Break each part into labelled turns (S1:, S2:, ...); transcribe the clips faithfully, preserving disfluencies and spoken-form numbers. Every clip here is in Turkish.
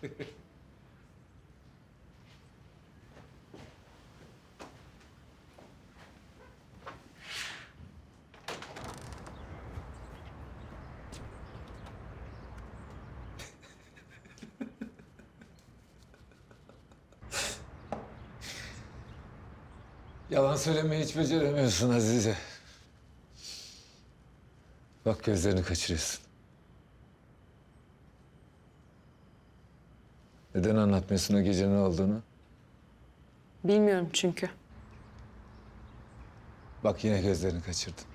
S1: Yalan söylemeyi hiç beceremiyorsun Azize. Bak gözlerini kaçırıyorsun. Neden anlatmıyorsun o gece ne olduğunu?
S2: Bilmiyorum çünkü.
S1: Bak yine gözlerini kaçırdın.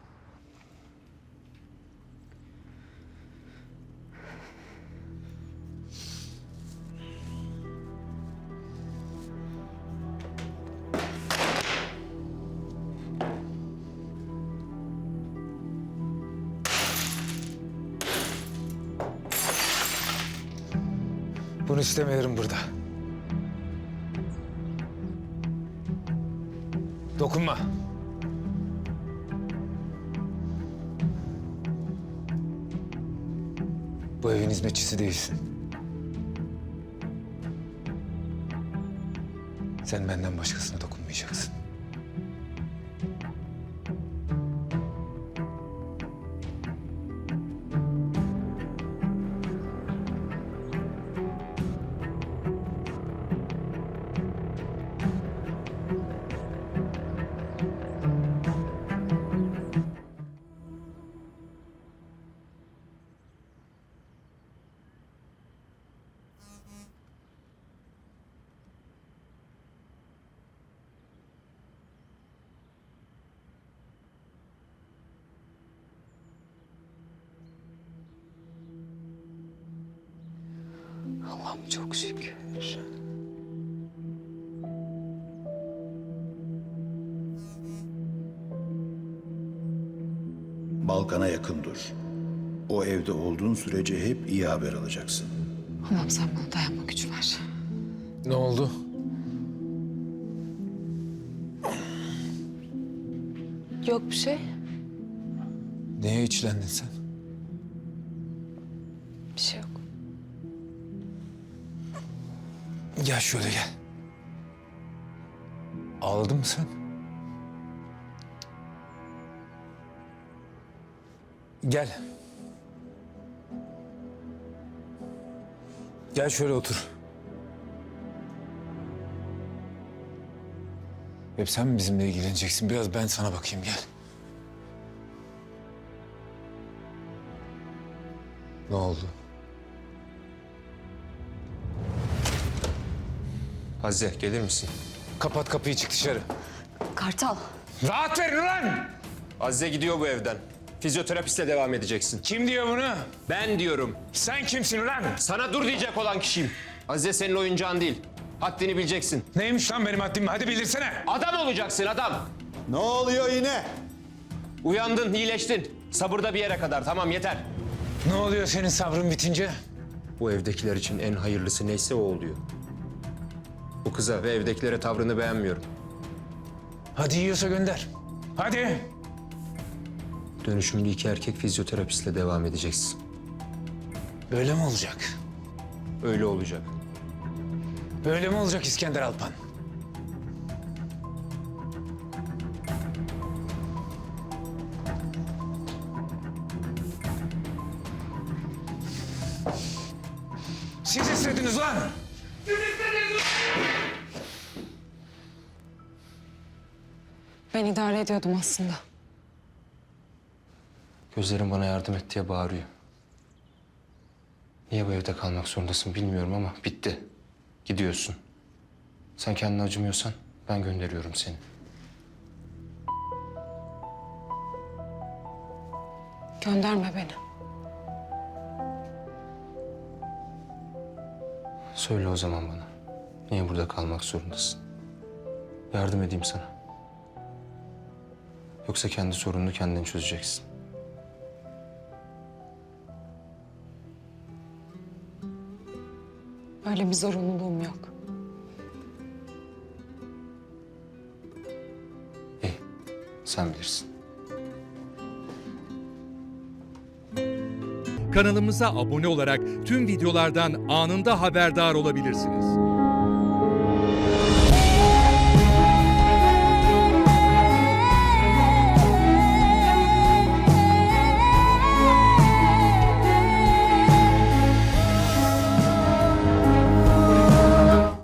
S1: Bunu istemiyorum burada. Dokunma. Bu evin hizmetçisi değilsin. Sen benden başkasına dokunmayacaksın.
S2: Allah'ım çok şükür.
S3: Balkan'a yakın dur. O evde olduğun sürece hep iyi haber alacaksın.
S2: Allah'ım sen bana dayanma gücü ver.
S1: Ne oldu?
S2: Yok bir şey.
S1: Neye içlendin sen?
S2: Bir şey yok.
S1: Gel şöyle gel. Ağladın mı sen? Gel. Gel şöyle otur. Hep sen mi bizimle ilgileneceksin? Biraz ben sana bakayım gel. Ne oldu?
S4: Azize gelir misin?
S1: Kapat kapıyı çık dışarı.
S2: Kartal.
S1: Rahat verin ulan!
S4: Azize gidiyor bu evden. Fizyoterapistle devam edeceksin.
S1: Kim diyor bunu?
S4: Ben diyorum.
S1: Sen kimsin ulan?
S4: Sana dur diyecek olan kişiyim. Azize senin oyuncağın değil. Haddini bileceksin.
S1: Neymiş lan benim haddim? Hadi bildirsene.
S4: Adam olacaksın adam.
S3: Ne oluyor yine?
S4: Uyandın, iyileştin. Sabırda bir yere kadar. Tamam yeter.
S1: Ne oluyor senin sabrın bitince?
S4: Bu evdekiler için en hayırlısı neyse o oluyor. Bu kıza ve evdekilere tavrını beğenmiyorum.
S1: Hadi yiyorsa gönder. Hadi.
S4: Dönüşümlü iki erkek fizyoterapistle devam edeceksin.
S1: Böyle mi olacak?
S4: Öyle olacak.
S1: Böyle mi olacak İskender Alpan? Siz istediniz lan!
S2: Ben idare ediyordum aslında.
S4: Gözlerim bana yardım et diye bağırıyor. Niye bu evde kalmak zorundasın bilmiyorum ama bitti. Gidiyorsun. Sen kendine acımıyorsan ben gönderiyorum seni.
S2: Gönderme beni.
S4: Söyle o zaman bana. Niye burada kalmak zorundasın? Yardım edeyim sana. Yoksa kendi sorununu kendin çözeceksin.
S2: Öyle bir zorunluluğum yok.
S4: İyi, sen bilirsin.
S5: Kanalımıza abone olarak tüm videolardan anında haberdar olabilirsiniz.